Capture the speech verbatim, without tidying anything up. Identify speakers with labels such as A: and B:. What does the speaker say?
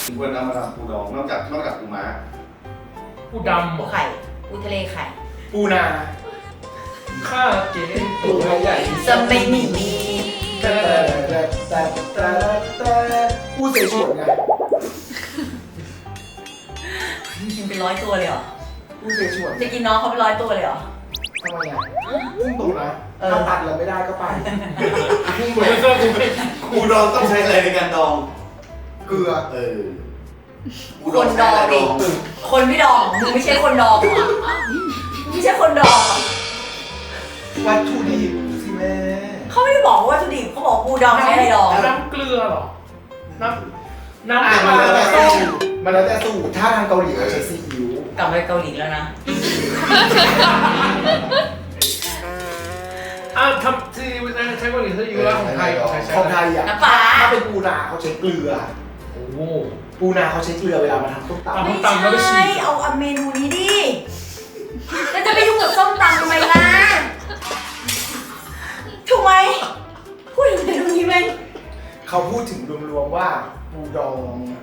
A: ควรเอามาทำปูดองนอกจากนอกจากปูม้า
B: ปูดำ
C: ปูไข่ปูทะเลไข่
D: ปูนา
B: ข้าเก๋
D: ตัวใหญ่
C: จะไม่มีมี
D: แต่แต่แต่แต่แต่ปูเสฉวนไง
C: กินเป็นร้อยตัวเลยเหรอ
D: ปูเสฉวน
C: จะกินน้องเขาเป็นร้อยตัวเลยเหรอ
D: ทำไมอ่ะพุ่งตรงนะถ้าตัดแล้วไม่ได้ก็ไปพุ่ง
B: เหมื
D: เล
B: อน
D: ย
B: เสื้อกูไม่
A: ปูดองต้องใช้อะไรในการดอง
D: เกลือ
A: เออปู
C: คนดองดิ คนไม่ดองมึงไม่ใช่คนดองเหรอมึงไม่ใช่คนดองเหรอ
D: วัตถุดิบสิแม่
C: เขาไม่ได้บอกว่าวัตถุดิบเขาบอกปูดองใช้อะไรดอง
B: น้ำเกลือเหรอ น้ำน้ำ
D: อ่ะ
B: เก
D: มัน
B: ลื
D: แล้ว
B: อ
D: แต่สูตรมันแล้วแต่สูตรถ้าทางเกาหลีเขาใช้ซีอิ๊ว
C: กลับไปเกาหลีแล้วนะ
B: อ้าวทำที่ใช้เกาหลีใช้อยู่แล้วของไทยใช้ใช้
D: ของไทยอ่ะ
C: น้ำปลา
D: ถ้าเป็นปูนาเขาใช้เกลือ
B: โอ้โห
D: ปูนาเขาใช้เกลือเวลามาทำส้มตำ
B: อ่ะ
C: ไม่ใช่เอาเอาเมนูนี้ดิแล้วจะไปยุ่งกับส้มตำทำไมล่ะถูกไหมพูดถึงเมนูนี้ไหม
D: เขาพูดถึงรวมๆว่าปูดอง